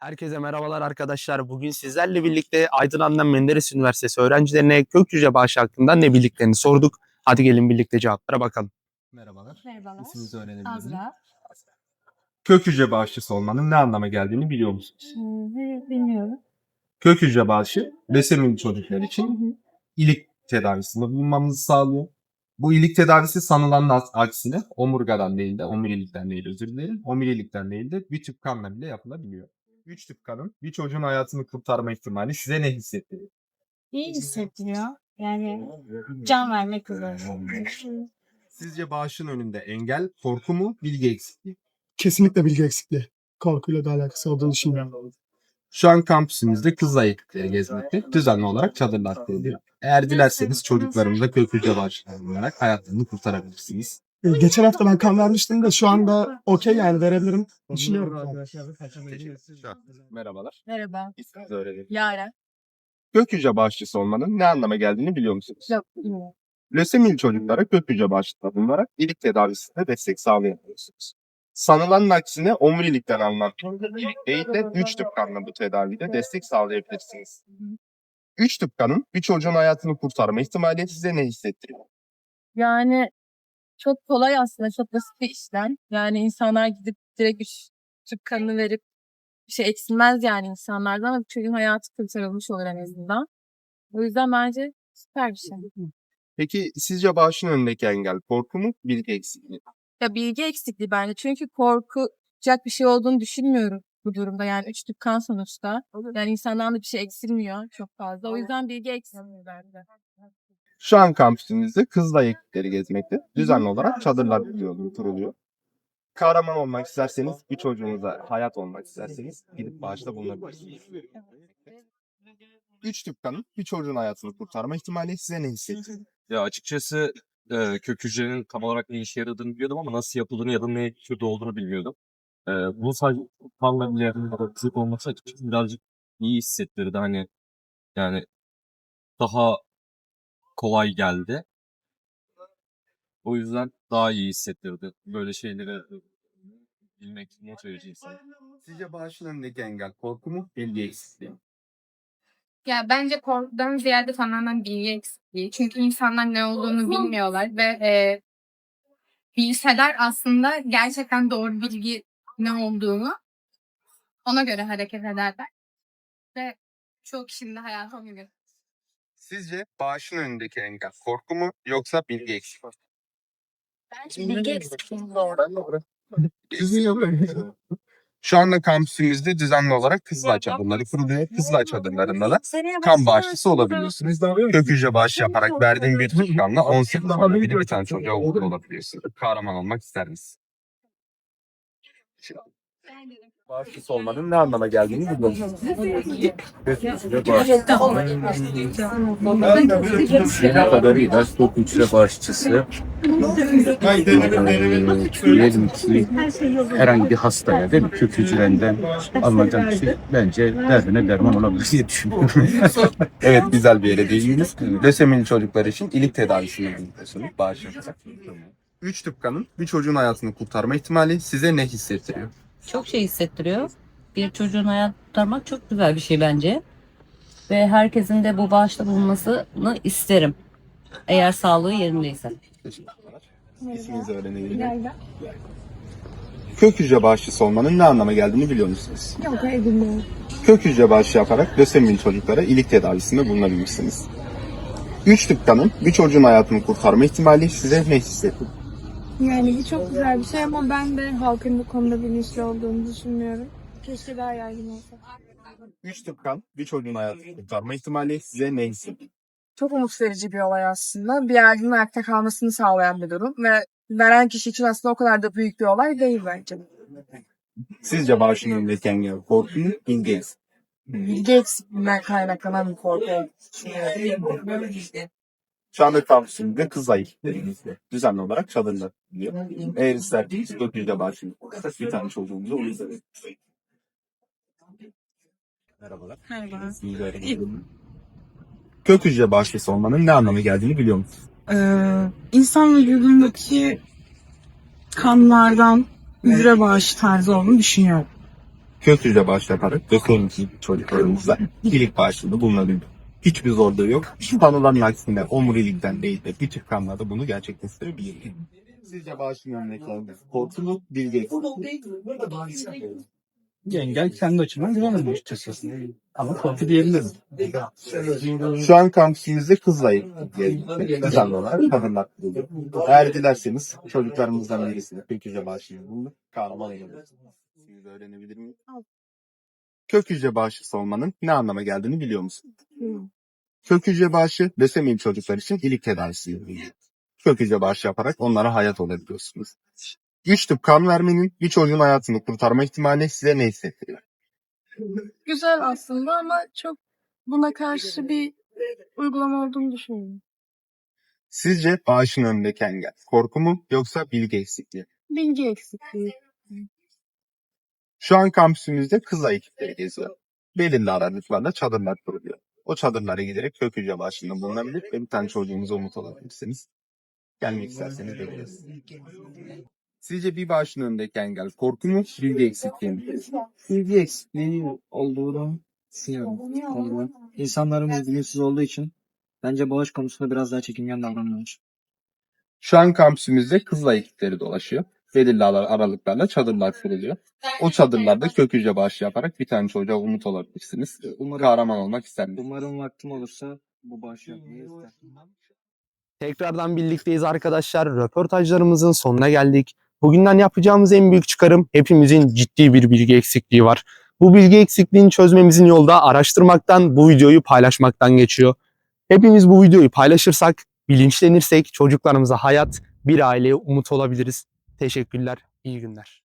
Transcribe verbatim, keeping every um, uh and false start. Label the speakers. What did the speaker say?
Speaker 1: Herkese merhabalar arkadaşlar. Bugün sizlerle birlikte Aydın Adnan Menderes Üniversitesi öğrencilerine kök hücre bağışı hakkında ne bildiklerini sorduk. Hadi gelin birlikte cevaplara bakalım. Merhabalar.
Speaker 2: Merhabalar.
Speaker 1: İsminizi öğrenebilir miyim?
Speaker 2: Azra.
Speaker 1: Kök hücre bağışçısı olmanın ne anlama geldiğini biliyor musunuz?
Speaker 2: Hmm, hayır, bilmiyorum.
Speaker 1: Kök hücre bağışı lösemili çocuklar
Speaker 2: Hı
Speaker 1: için
Speaker 2: hı.
Speaker 1: ilik tedavisinde bulunmamızı sağlıyor. Bu ilik tedavisi sanılanın aksine omurgadan değil de omurilikten değil özür dilerim. Omurilikten değil de bir tüp kanla bile yapılabiliyor. Üç tüp kanın bir çocuğun hayatını kurtarma ihtimali size ne hissettiriyor?
Speaker 2: İyi hissettiriyor. Yani can vermek üzere.
Speaker 1: Sizce bağışın önünde engel korku mu, bilgi eksikliği?
Speaker 3: Kesinlikle bilgi eksikliği. Korkuyla da alakası olduğunu düşünmüyorum.
Speaker 1: Şu an kampüsümüzde kız ayıklıkları gezmekte düzenli olarak çadırlar kuruluyor. Eğer dilerseniz çocuklarımıza kök hücre bağışçıları olarak hayatlarını kurtarabilirsiniz.
Speaker 3: Ee, Geçen hafta ben kan vermiştim de şu anda okey yani verebilirim. Düşünüyorum.
Speaker 1: Merhabalar.
Speaker 2: Merhaba.
Speaker 1: İsminizi öğrenelim.
Speaker 2: Yaren.
Speaker 1: Kök hücre bağışçısı olmanın ne anlama geldiğini biliyor musunuz?
Speaker 2: Yok, bilmiyorum.
Speaker 1: Lösemili çocuklara kök hücre bağışçısı bulunarak ilik tedavisinde destek sağlayabiliyorsunuz. Sanılanın aksine omurilikten alınan ilik değil de üç tüp kanla bu tedavide destek sağlayabilirsiniz. Üç tüp kanın bir çocuğun hayatını kurtarma ihtimali size ne hissettiriyor?
Speaker 4: Yani çok kolay aslında, çok basit bir işlem. Yani insanlar gidip direkt üç tüp kanını verip bir şey eksilmez yani insanlardan ama çocuğun hayatı kurtarılmış olur en azından. O yüzden bence süper bir şey.
Speaker 1: Peki sizce bağışın önündeki engel korku mu, bilgi eksikliği?
Speaker 4: Ya bilgi eksikliği bence çünkü korkacak bir şey olduğunu düşünmüyorum bu durumda. Yani üç tüp kan sonuçta. Yani insandan da bir şey eksilmiyor çok fazla. O yüzden bilgi eksilmiyor bence.
Speaker 1: Şu an kampüsümüzde kızla ekipleri gezmekte. Düzenli olarak çadırlar kuruluyor, kuruluyor. Kahraman olmak isterseniz, bir çocuğunuza hayat olmak isterseniz gidip bağışta bulunabilirsiniz. Üç tüp kanın bir çocuğun hayatını kurtarma ihtimali size ne hissettiriyor?
Speaker 5: Ya açıkçası e, kök hücrenin tam olarak ne işe yaradığını biliyordum ama nasıl yapıldığını ya da ne türde olduğunu bilmiyordum. E, bunu sadece kanla bile ya da fizik olması açıkçası birazcık iyi hissettirdi. Hani yani daha kolay geldi. O yüzden daha iyi hissettirdi. Böyle şeyleri bilmek, not verici insan.
Speaker 1: Sizce bağışın önündeki engel korku mu, bilgi eksikliği?
Speaker 6: Ya bence korkudan ziyade tamamen bilgi eksikliği. Çünkü insanlar ne olduğunu bilmiyorlar ve e, bilseler aslında gerçekten doğru bilgi ne olduğunu ona göre hareket ederler. Ve çoğu kişinin de hayatı ona göre.
Speaker 1: Sizce bağışın önündeki engel korku mu yoksa bilgi eksikliği?
Speaker 6: Bence bilgi eksikliği.
Speaker 1: Şu anda kampüsümüzde düzenli olarak Kızılay çadırları kuruluyor. Kızılay çadırlarında da kan bağışçısı olabiliyorsunuz. Kök hücre bağışı yaparak verdiğim bir tüp kanla on sekiz yaşında bir tane çocuğa okul olabiliyorsunuz. Kahraman olmak ister misin? Bağışçısı olmanın ne anlama geldiğini biliyorsunuz.
Speaker 7: Ne kadarıyla kök hücre bağışçısı diyelim ki herhangi bir hastaya değil mi? Kök hücrenden alınacak bir şey bence derdine derman olabilir diye düşünüyorum.
Speaker 1: Evet, güzel bir yere değindiniz. Lösemili çocuklar için ilik tedavisini yapıyorsunuz. Bağış yaparak. Üç tüp kanın bir çocuğun hayatını kurtarma ihtimali size ne hissettiriyor?
Speaker 8: Çok şey hissettiriyor. Bir çocuğun hayatını kurtarmak çok güzel bir şey bence. Ve herkesin de bu bağışta bulunmasını isterim. Eğer sağlığı yerindeyse.
Speaker 1: Teşekkürler. İsminizi öğrenebilir miyim? Kök hücre bağışçısı olmanın ne anlama geldiğini biliyor musunuz?
Speaker 2: Yok, hayır bilmiyorum.
Speaker 1: Kök hücre bağışı yaparak lösemili çocuklara ilik tedavisinde bulunabilirsiniz. Üç tüp kanın bir çocuğun hayatını kurtarma ihtimali size ne hissettiriyor?
Speaker 9: Yani çok güzel bir şey ama ben de halkın bu konuda bilinçli olduğunu düşünmüyorum. Keşke daha yaygın olsa.
Speaker 1: Üç tüp kan bir çocuğun hayatını kurtarma ihtimali size ne hissettiriyor?
Speaker 9: Çok umut verici bir olay aslında. Bir ailenin ayakta kalmasını sağlayan bir durum ve veren kişi için aslında o kadar da büyük bir olay değil bence.
Speaker 1: Sizce bağışın önündeki engel korku mu, bilgi eksikliği?
Speaker 9: Bilgi eksikliğinden kaynaklanan bir korku olduğunu düşünüyorum.
Speaker 1: Şu anda kampüsümüzde kız ayıklarımızda düzenli olarak çadırlar diyor. Eğer isterseniz kök hücre bağışını bir tane çocuğumuza onu izledik. Merhabalar.
Speaker 9: Merhaba.
Speaker 1: İsminizi öğrenebilir miyim? Kök hücre bağışçısı olmanın ne anlamı geldiğini biliyor musunuz?
Speaker 9: Ee, insan vücudundaki kanlardan hücre bağışı tarzı olduğunu düşünüyorum.
Speaker 1: kök hücre bağışı yaparak dökümümüzün çocuklarımıza iyilik bağışında bulunabilir. Hiçbir zorluğu yok. Sanılanın aksine omurilikten değil de küçük kanlarda bunu gerçekleştirebilir. Sizce bağışın örneklerinde korku mu, bilgi
Speaker 3: Engel kendi açımdan güvenemem açıkçası. Ama korku diyebilirim.
Speaker 1: Şu an kampüsümüzde kızla ilgili canlılar, kadınlar buluyor. Eğer dilerseniz çocuklarımızdan birisine kök hücre bağışını bulunur, kahraman olabilirsiniz. Siz de öğrenebilir miyim? Kök hücre bağışısı olmanın ne anlama geldiğini biliyor musun? Kök hücre bağışı lösemili çocuklar için iyilik tedavisi. Kök hücre bağışı yaparak onlara hayat olabiliyorsunuz. Üç tüp kan vermenin bir çocuğun hayatını kurtarma ihtimali size ne hissettiriyor?
Speaker 4: Güzel aslında ama çok buna karşı bir uygulama olduğunu düşünüyorum.
Speaker 1: Sizce bağışın önündeki engel korku mu yoksa bilgi eksikliği?
Speaker 4: Bilgi eksikliği.
Speaker 1: Şu an kampüsümüzde kızla ekipleri geziyor. Belirli aralıklarla çadırlar kuruluyor. O çadırlara giderek kök hücre bağışında bulunabilir ve bir tane çocuğunuza umut olabilirsiniz. Gelmek isterseniz bekleriz. Sizce bir bağışın önündeki engel korku mu, bilgi eksikliği mi?
Speaker 10: Bilgi eksikliği olduğunu düşünüyorum. Konuda. İnsanların bilgisiz olduğu için bence bağış konusunda biraz daha çekingen davranıyorlar.
Speaker 1: Şu an kampüsümüzde kızla ekipleri dolaşıyor. Belirli ara- aralıklarla çadırlar kuruluyor. O çadırlarda kök hücre bağışı yaparak bir tane çocuğa umut olabilirsiniz.
Speaker 10: Umarım,
Speaker 1: Kahraman olmak ister misiniz?
Speaker 10: umarım vaktim olursa bu bağışı yapmayı isterim.
Speaker 3: Tekrardan birlikteyiz arkadaşlar. Röportajlarımızın sonuna geldik. Bugünden yapacağımız en büyük çıkarım hepimizin ciddi bir bilgi eksikliği var. Bu bilgi eksikliğini çözmemizin yolu da araştırmaktan, bu videoyu paylaşmaktan geçiyor. Hepimiz bu videoyu paylaşırsak, bilinçlenirsek çocuklarımıza hayat, bir aileye umut olabiliriz. Teşekkürler, iyi günler.